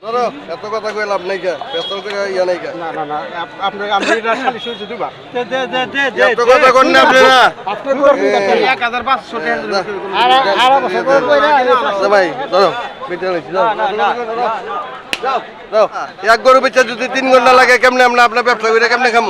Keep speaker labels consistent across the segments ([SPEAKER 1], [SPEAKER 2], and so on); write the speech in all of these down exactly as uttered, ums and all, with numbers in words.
[SPEAKER 1] ধরো এত কথা কই লাভ নাই কে পেছল করে ইয়া নাই কে
[SPEAKER 2] না না না আপনি আপনি এটা খালি শুনতে দিবা দে দে দে দে
[SPEAKER 1] এত কথা কোন না আপনি না
[SPEAKER 2] আপনি করবেন এক হাজার পাঁচশো টাকা আর আর বছর করে কইরা
[SPEAKER 1] আচ্ছা ভাই ধরো বেটা লইছি যাও যাও যাও এক গরু বেচা যদি তিন ঘন্টা লাগে কেমনে আমরা আপনার ব্যবসা করে কেমনে খামু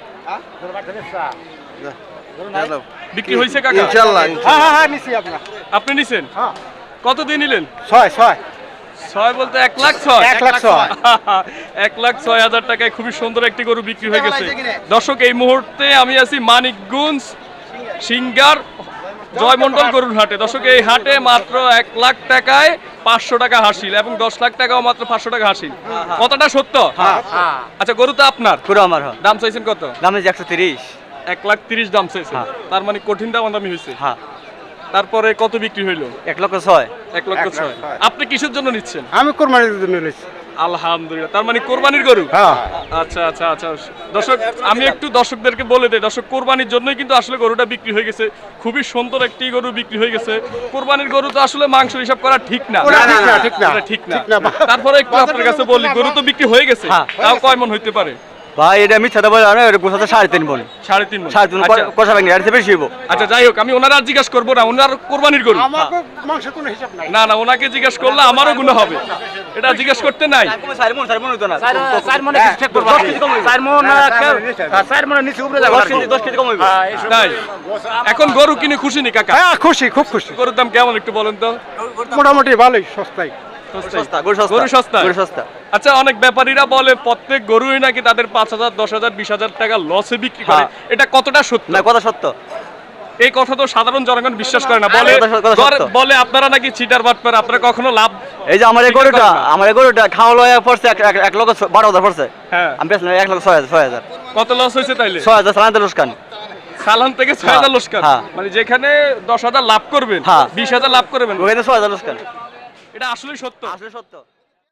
[SPEAKER 3] বিক্রি হয়েছে কাকা?
[SPEAKER 1] ইনশাআল্লাহ
[SPEAKER 2] হ্যাঁ হ্যাঁ হ্যাঁ নিছি আপনার
[SPEAKER 3] আপনি নিছেন?
[SPEAKER 2] হ্যাঁ
[SPEAKER 3] কত দিয়ে নিলেন?
[SPEAKER 2] ছয় ছয়
[SPEAKER 3] ছয় বলতে এক লাখ ছয়
[SPEAKER 2] এক লাখ ছয়
[SPEAKER 3] এক লাখ ছয় হাজার টাকায় খুবই সুন্দর একটি গরু বিক্রি হয়ে গেছে। দর্শক এই মুহূর্তে আমি আছি মানিকগঞ্জ সিঙ্গার জয়মন্ডল গরুর হাটে। দর্শক এই হাটে মাত্র এক লাখ টাকায় পাঁচশো টাকা হাসিল এবং দশ লাখ টাকাও মাত্র পাঁচশো টাকা হাসিল। কতটা সত্য? আচ্ছা গরু তো আপনার,
[SPEAKER 4] পুরো আমার
[SPEAKER 3] দাম চাইছেন কত?
[SPEAKER 4] দাম হচ্ছে একশো তিরিশ।
[SPEAKER 3] এক লাখ তিরিশ দাম চাইছেন, তার মানে কঠিন দাম দামি হয়েছে।
[SPEAKER 4] হ্যাঁ
[SPEAKER 3] তারপরে কত বিক্রি হইলো?
[SPEAKER 4] এক লক্ষ ছয়।
[SPEAKER 3] এক লক্ষ ছয়। আপনি কিসের জন্য নিচ্ছেন?
[SPEAKER 2] আমি কোরবানির জন্য নিছি।
[SPEAKER 3] আলহামদুলিল্লাহ, তার মানে কোরবানির গরু।
[SPEAKER 2] হ্যাঁ
[SPEAKER 3] আচ্ছা আচ্ছা আচ্ছা দর্শক আমি একটু দর্শকদেরকে বলে দেই, দর্শক কোরবানির জন্যই কিন্তু আসলে গরুটা বিক্রি হয়ে গেছে। খুবই সুন্দর একটি গরু বিক্রি হয়ে গেছে। কোরবানির গরু তো আসলে মাংস হিসাব করা ঠিক না,
[SPEAKER 2] ওটা ঠিক না, ঠিক না।
[SPEAKER 3] ওটা ঠিক না। তারপরে একটু আপনার কাছে বলি, গরু তো বিক্রি হয়ে গেছে, তাও কয় মন হইতে পারে?
[SPEAKER 4] ভাই এটা মিথ্যা কথা বলে না, এটা গোছাতে সাড়ে তিন বোন।
[SPEAKER 3] সাড়ে তিন মন।
[SPEAKER 4] সাড়ে তিন
[SPEAKER 3] আচ্ছা,
[SPEAKER 4] কষা ভাঙি আর বেশি হইব।
[SPEAKER 3] আচ্ছা যাই হোক, আমি ওনার আর জিজ্ঞেস করবো না, ওনার কোরবানির গরু।
[SPEAKER 2] আমাকে মাংস কোনো হিসাব নাই।
[SPEAKER 3] না না, ওনাকে জিজ্ঞেস করলে আমারও গুণ হবে, এটা জিজ্ঞেস করতে নাই।
[SPEAKER 4] চার মন চার মন হইতো না।
[SPEAKER 2] চার মনে কিছু ঠিক করব। চার মন চার মনে নিচে উপরে যাবে।
[SPEAKER 4] দশ কেজি দশ কেজি কম হইব।
[SPEAKER 3] তাই এখন গরু কিনে খুশি নি কাকা?
[SPEAKER 2] হ্যাঁ খুশি, খুব খুশি।
[SPEAKER 3] গরুর দাম কেমন একটু বলেন তো?
[SPEAKER 2] মোটামুটি ভালোই, সস্তাই।
[SPEAKER 4] সস্তা গরু সস্তা
[SPEAKER 3] গরু সস্তা?
[SPEAKER 4] গরু সস্তা।
[SPEAKER 3] আচ্ছা অনেক ব্যাপারীরা বলে প্রত্যেক গরুই নাকি তাদের পাঁচ হাজার দশ হাজার বিশ হাজার টাকা লসে বিক্রি করে, এটা কতটা সত্য?
[SPEAKER 4] না কথা সত্য।
[SPEAKER 3] এই কথা তো সাধারণ জনগণ বিশ্বাস করে না, বলে
[SPEAKER 4] কথা সত্য, কথা সত্য।
[SPEAKER 3] বলে আপনারা নাকি চিটার বাটপার, আপনারা কখনো লাভ।
[SPEAKER 4] এই যে আমার এই গরুটা আমার এই গরুটা খাওয়া লয়া পড়ছে এক এক- এক লক্ষ বারো হাজার পড়ছে।
[SPEAKER 3] হ্যাঁ,
[SPEAKER 4] আমি বেচলাম এক লক্ষ ছয় হাজার ছয় হাজার
[SPEAKER 3] কত লস হয়েছে তাইলে?
[SPEAKER 4] ছয় হাজার সালান তেল উস্কান।
[SPEAKER 3] সালান থেকে ছয় হাজার লোসকান,
[SPEAKER 4] হ্যাঁ।
[SPEAKER 3] মানে যেখানে দশ হাজার লাভ করবেন
[SPEAKER 4] হ্যাঁ।
[SPEAKER 3] বিশ হাজার লাভ করবেন,
[SPEAKER 4] ওখানে ছয় হাজার উস্কান।
[SPEAKER 3] এটা আসলে সত্য।
[SPEAKER 4] আসলে সত্য।